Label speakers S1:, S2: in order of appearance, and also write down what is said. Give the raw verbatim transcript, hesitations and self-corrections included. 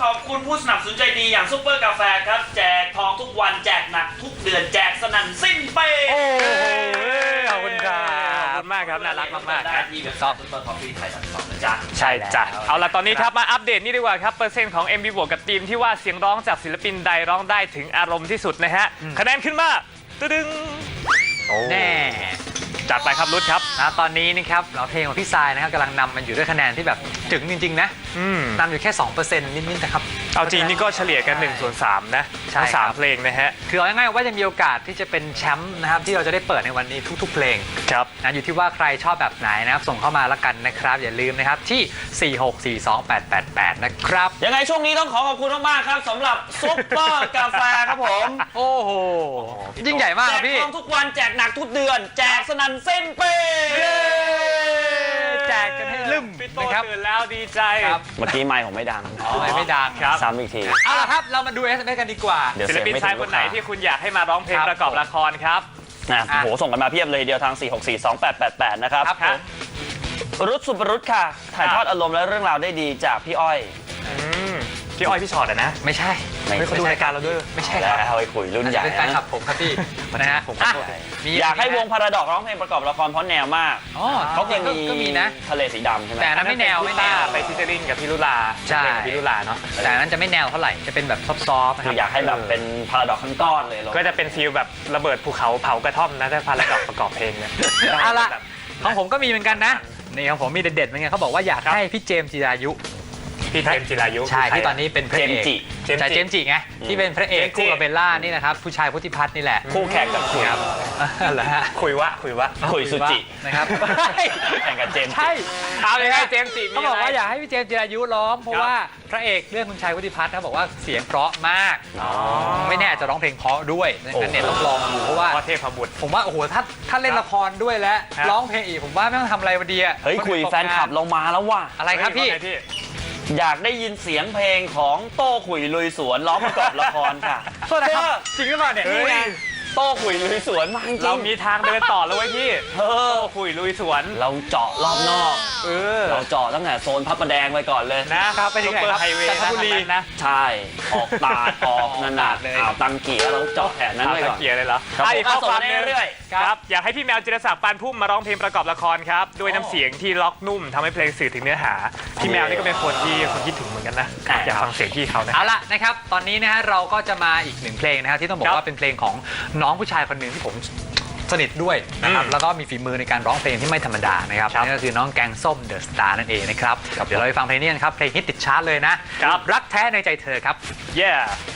S1: ขอบคุณผู้สนับสนุนใจดีอย่างซุปเปอร์กาแฟครับแจกทองทุกวันแจกหนักทุกเดือนแจกสนั่นสิ้นเปย์
S2: โอ้โหขอบคุณครับขอบคุณมากครับน่ารักมากๆ
S1: ได้ที่เว็บไซต์ซุปเปอร์คอฟฟี่ไทยดอทคอมนะจ๊ะ
S2: ใช่จ้ะเอาล่ะตอนนี้ครับมาอัปเดตนี่ดีกว่าครับเปอร์เซ็นต์ของ เอ็ม วี บวกกับทีมที่ว่าเสียงร้องจากศิลปินใดร้องได้ถึงอารมณ์ที่สุดนะฮะคะแนนขึ้นมาตึ้งแน่จัดไปครับรุดครับนะตอนนี้นะครับเราเพลงของพี่ทรายนะครับกำลังนำมันอยู่ด้วยคะแนนที่แบบถึงจริงๆนะนำอยู่แค่ สองเปอร์เซ็นต์ นิดๆนะครับเอาจริงนี่ก็เฉลี่ยกันหนึ่งส่วนสามนะทั้งสามเพลงนะฮะคือเอาง่ายๆว่าจะมีโอกาสที่จะเป็นแชมป์นะครับที่เราจะได้เปิดในวันนี้ทุกๆเพลงครับนะอยู่ที่ว่าใครชอบแบบไหนนะครับส่งเข้ามาละกันนะครับอย่าลืมนะครับที่สี่หกสี่สองแปดแปดแปดนะครับ
S1: ยังไงช่วงนี้ต้องขอขอบคุณมากๆครับสำหรับซุปเปอร์กาแฟครับผม
S2: โอ้โหยิ่งใหญ่มากครับพี่
S1: แจกทองทุกวันแจกหนักทุกเดือนแจกสนั่นเส้นเป้
S2: แจกกันให้ลืมนะครับตื่นแล้วดีใจ
S1: เมื่อกี้ไมค์ผมไม่ดัง
S2: ไม่ดังครับ
S1: ซ้ำอีกที
S2: เอาล่ะครับเรามาดู เอส เอ็ม เอส กันดีกว่าศิลปินชายคนไหนที่คุณอยากให้มาร้องเพลงประกอบละครครับ
S1: นะโหส่งกันมาเพียบเลยเดียวทาง สี่หกสี่สองแปดแปดแปด นะครับรุดสุปรุษค่ะถ่ายทอดอารมณ์และเรื่องราวได้ดีจากพี่อ้อย
S2: พี่อ้อยพี่ชอตอะนะไม่ใช่ไม่เขาดูรายการเราด้วยไม่ใช่
S1: แล้วเอาไปคุยรุ่นใหญ่
S2: เป็นแฟนคลับผมครับพี่นะฮะผม
S1: อยากให้วงพาราดอกร้องเพลงประกอบละครเพราะแนวมากเขายังมีนะทะเลสีดำใช่ไหม
S2: แต่นั้นไม่แนวไม่แนวไปฟิชเชอริงกับพี่ลุลาใช่พี่ลุลาเนาะแต่นั้นจะไม่แนวเท่าไหร่จะเป็นแบบซอฟต์ๆ
S1: คืออยากให้แบบเป็นพาราดอกทั้งก้อนเลย
S2: ก็จะเป็นฟีลแบบระเบิดภูเขาเผากระท่อมนะถ้าพาราดอกประกอบเพลงเนี่ยเอาละของผมก็มีเหมือนกันนะนี่ของผมมีเด็ดๆเหมือนกันเขาบอกว่าอยากให้พี่เจมส์จิรายุพี่เจมส์จิรายุใช่ที่ตอนนี้เป็นพระเอกใช่เจมส์จิไงที่เป็นพระเอกคู่กับเบลล่านี่นะครับผู้ชายพุทธิพัฒน์นี่แหละ
S1: คู่แข่งกับคุย
S2: ครับเหรอฮะคุยวะคุยวะ
S1: คุยสุจิ
S2: นะครับ
S1: แข่งกับเจมส์
S2: ใช่เอาเลยให้เจมส์จิเขาบอกว่าอยากให้พี่เจมส์จิรายุร้องเพราะว่าพระเอกเรื่องคุณชายพุทธิพัฒน์เขาบอกว่าเสียงเพราะมากไม่แน่จะร้องเพลงเพราะด้วยงั้นเนี่ยต้องลองดูเพราะว่าเทพบุตรผมว่าโอ้โหถ้าถ้าเล่นละครด้วยแล้วร้องเพลงอีกผมว่าไม่ต้องทำอะไรวันเดีย
S1: เฮ้ยคุยแฟนคลับเรามาแล้วว่ะ
S2: อะไรครับพี่
S1: อยากได้ยินเสียงเพลงของโต้ขุยลุยสวนร้องประกอบละครค่ะ
S2: โทษนะครับจริงหรือเปล่าเนี่ย
S1: นี่ไงโต้ขุยลุยสวนมาจริง
S2: เรามีทางเดินต่อแล้วเว้ยพี่โต้ขุยลุยสวน
S1: เราเจาะรอบนอกเออเราเจาะตั้งแต่โซนพระประแดงไปก่อนเลย
S2: นะครับไปถึงไหนครับจันทบุรีนะ
S1: ใช่ออกตาออกนานาเลยอ่าวตังเกียร์เราเจาะแถบนั้นไปก่อน
S2: ตังเกียร์เลยเหรอ
S1: อีกข้อความเรื่อย
S2: ๆครับอยากให้พี่แมวจิรศักดิ์ปานพุ่มมาร้องเพลงประกอบละครครับด้วยน้ำเสียงที่ล็อกนุ่มทำให้เพลงสื่อถึงเนื้อหาพี่แมวนี่ก็เป็นคนที่คนคิดถึงเหมือนกันนะอยากฟังเสียงพี่เขานะเอาละนะครับตอนนี้นะฮะเราก็จะมาอีกหนึ่งเพลงนะครับที่ต้องบอกว่าเป็นเพลงของน้องผู้ชายคนหนึ่งที่ผมสนิทด้วยนะครับแล้วก็มีฝีมือในการร้องเพลงที่ไม่ธรรมดานะครับนั่นก็คือน้องแกงส้มเดอะสตาร์นั่นเองนะครับเดี๋ยวเราไปฟังเพลงนี้กันครับเพลงฮิตติดชาร์ตเลยนะรักแท้ในใจเธอครับ yeah